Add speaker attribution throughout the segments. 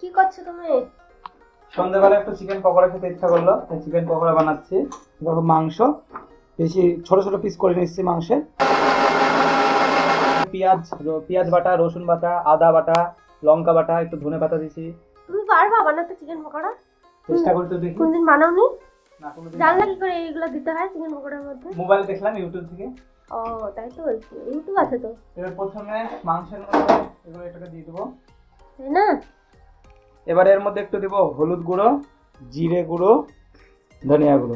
Speaker 1: কি করছো তুমি?
Speaker 2: সন্ধ্যাবেলা একটু চিকেন পকোড়া খেতে ইচ্ছা করলো, তাই চিকেন পকোড়া বানাচ্ছি। দেখো মাংস বেশি ছোট ছোট পিস করে নিচ্ছি মাংসে। পেঁয়াজ বাটা, রসুন বাটা, আদা বাটা, লঙ্কা বাটা, একটু ধনে পাতা দিছি।
Speaker 1: তুমি পারবা বানাতে চিকেন পকোড়া?
Speaker 2: চেষ্টা করি তো দেখি।
Speaker 1: কোনদিন বানাওনি?
Speaker 2: না কোনোদিন
Speaker 1: জানলা কি করে এইগুলো দিতে হয় চিকেন পকোড়ার মধ্যে?
Speaker 2: মোবাইল দেখলাম ইউটিউব থেকে।
Speaker 1: ও তাই তো বলছি, ইউটিউব আছে তো।
Speaker 2: এবার প্রথমে মাংসের মধ্যে এগুলো এটাকে দিয়ে দেবো।
Speaker 1: তাই না?
Speaker 2: এবার এর মধ্যে একটু দেবো হলুদ গুঁড়ো, জিরে গুঁড়ো, ধনিয়া গুঁড়ো,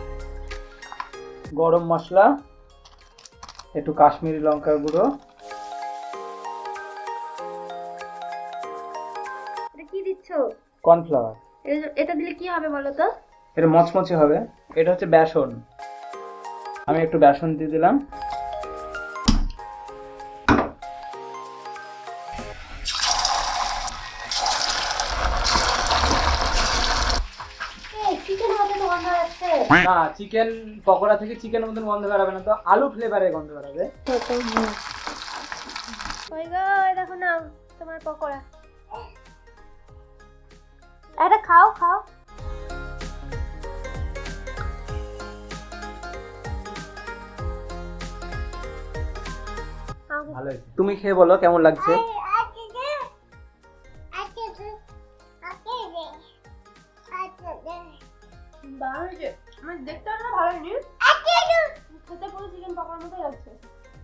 Speaker 2: গরম মশলা, একটু কাশ্মীরি লঙ্কার গুঁড়ো।
Speaker 1: এটা কি দিচ্ছ?
Speaker 2: কর্নফ্লাওয়ার।
Speaker 1: এটা দিলে কি হবে বলো তো?
Speaker 2: এটা মচমচে হবে। এটা হচ্ছে বেসন। আমি একটু বেসন দিয়ে দিলাম।
Speaker 1: চিকেন মধ্যে তো গন্ধ আসছে।
Speaker 2: না, চিকেন পকোড়া থেকে চিকেনের মতন গন্ধ বেরাবে না, তো আলু ফ্লেভারের গন্ধ বেরাবে।
Speaker 1: ওই গো, এই দেখো না তোমার পকোড়া। এটা খাও খাও।
Speaker 2: ভালো হয়েছে। তুমি খেয়ে বলো কেমন লাগছে।
Speaker 1: আমার দেখতে ভালো হয়নি, খেতে পুরো চিকেন পকোড়ার মতোই লাগছে।